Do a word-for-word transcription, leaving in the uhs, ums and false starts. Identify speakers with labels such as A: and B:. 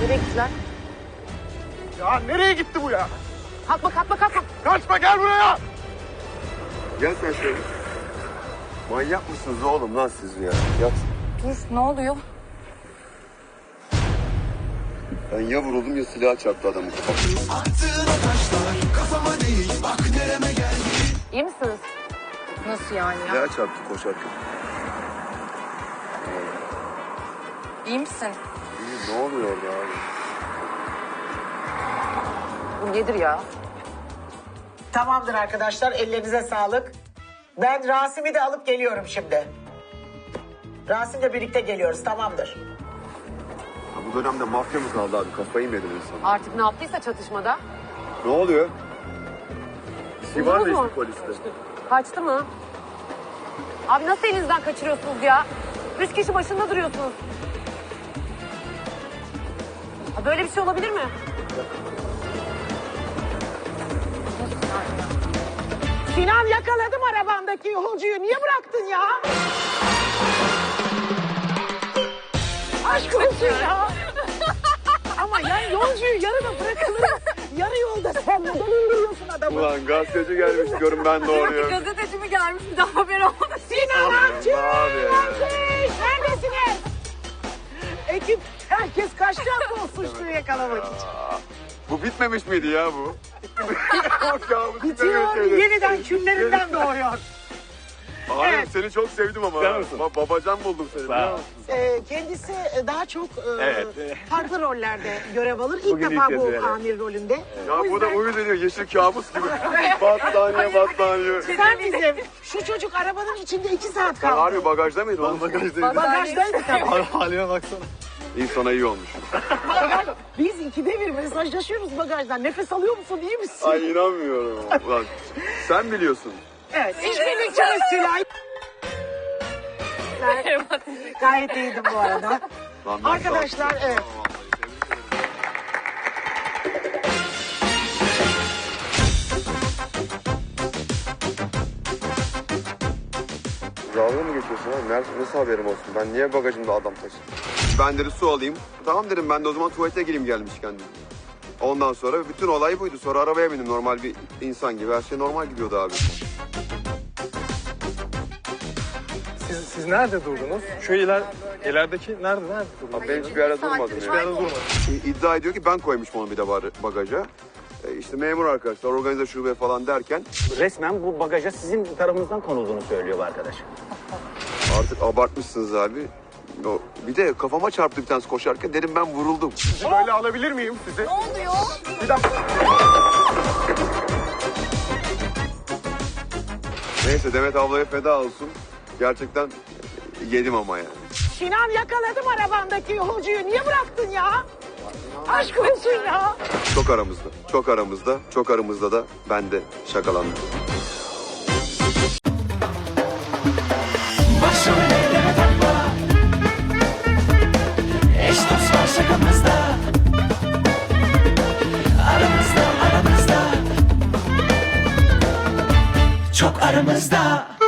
A: Nereye gittiler?
B: Ya nereye gitti bu ya?
A: Kalkma kalkma kalkma.
B: Kaçma gel buraya.
C: Gel sen şöyle. Manyak mısınız oğlum lan siz ya? Yat.
A: Dur ne oluyor?
C: Ben ya vuruldum ya silah çarptı adamın kafasına.
A: İyi misiniz? Nasıl yani ya?
C: Silah çarptı koşarken.
A: İyi misin?
C: İyi, ne oluyor orada abi?
A: Bu nedir ya?
D: Tamamdır arkadaşlar, ellerinize sağlık. Ben Rasim'i de alıp geliyorum şimdi. Rasim'le birlikte geliyoruz, tamamdır.
C: Ha, bu dönemde mafya mı kaldı abi? Kafayı mı yedin insan?
A: Artık ne yaptıysa çatışmada.
C: Ne oluyor? Bir var mı
A: Buldunuz mu?
C: işte poliste?
A: Kaçtı mı? Abi nasıl elinizden kaçırıyorsunuz ya? Üç kişi başında duruyorsunuz. Ha, böyle bir şey olabilir mi?
D: Sinan, yakaladım arabandaki yolcuyu. Niye bıraktın ya? Aşk olsun ya. Ama yani yolcuyu yarıda bırakılır. Yarı yolda sen neden indiriyorsun adamı?
C: Ulan gazeteci gelmiş diyorum ben doğruyorum.
A: Gazeteci mi gelmiş bir daha haber oldu.
D: Sinan Akçıl!
C: Abi.
D: Akçıl! Neredesiniz? Ekip herkes kaçtı mı o suçluyu yakalamak için?
C: Bu bitmemiş miydi ya bu? Bak ya, bu
D: Bitiyor,
C: bitmemiş miydi?
D: yeniden küllerinden doğuyor.
C: Abi
D: Evet.
C: seni çok sevdim ama.
E: Sen
C: ha.
E: misin?
C: Ba- babacan buldum seni. biliyor musun?
D: Ee, kendisi daha çok e,
E: Evet.
D: farklı rollerde görev alır. İlk
E: Bugün
D: defa
E: ilk
D: bu
E: kez, evet.
D: amir rolünde.
C: Ya
D: O
C: bu da
D: yüzden
C: uyuz ediyor. Yeşil kabus gibi. battaniye battaniye.
D: sen bizim şu çocuk arabanın içinde iki saat
C: Sen
D: kaldı.
C: harbi bagajda mıydın? Lan bagajdaydım.
D: Bagajdaydı tabii.
E: Halime baksana.
C: İyi sana iyi olmuş.
D: Biz ikide bir mesajlaşıyoruz bagajdan. Nefes alıyor musun, iyi misin?
C: Ay inanmıyorum. Ulan sen biliyorsun.
D: Evet. İşbirlikçimiz Tülay. Gayet iyiydim bu arada.
C: Lan ben
D: Arkadaşlar,
C: sağ ol.
D: evet.
C: Vallahi tebrik ederim. Dalga mı geçiyorsun abi? Nerede, nasıl haberim olsun? Ben niye bagajımda adam taşıdım? Ben dedi su alayım. Tamam dedim ben de o zaman tuvalete gireyim gelmişken dedim. Ondan sonra bütün olay buydu. Sonra arabaya bindim normal bir insan gibi. Her şey normal gidiyordu abi.
E: Siz, siz nerede durdunuz? Şu iler, ilerideki nerede? Nerede durdunuz?
C: Abi ben hiçbir yerde durmadım
E: Bir
C: ya.
E: yerde durmadım.
C: İ- İddia ediyor ki ben koymuşum onu bir de bar- bagaja. E işte memur arkadaşlar organize şube falan derken
F: Resmen bu bagaja sizin tarafınızdan konulduğunu söylüyor bu arkadaş.
C: artık abartmışsınız abi. O, bir de kafama çarptı bir tanesi koşarken dedim ben vuruldum.
B: Sizi böyle alabilir miyim sizi?
A: Ne oluyor?
B: Bir dakika.
C: Neyse Demet ablaya feda olsun. Gerçekten yedim ama yani.
D: Sinan, yakaladım arabandaki yolcuyu. Niye bıraktın ya? Aşk olsun ya.
C: Çok aramızda, çok aramızda, çok aramızda da ben de şakalandım.
G: Başım ellere takma. Eş dost var şakamızda. Aramızda aramızda. Çok aramızda.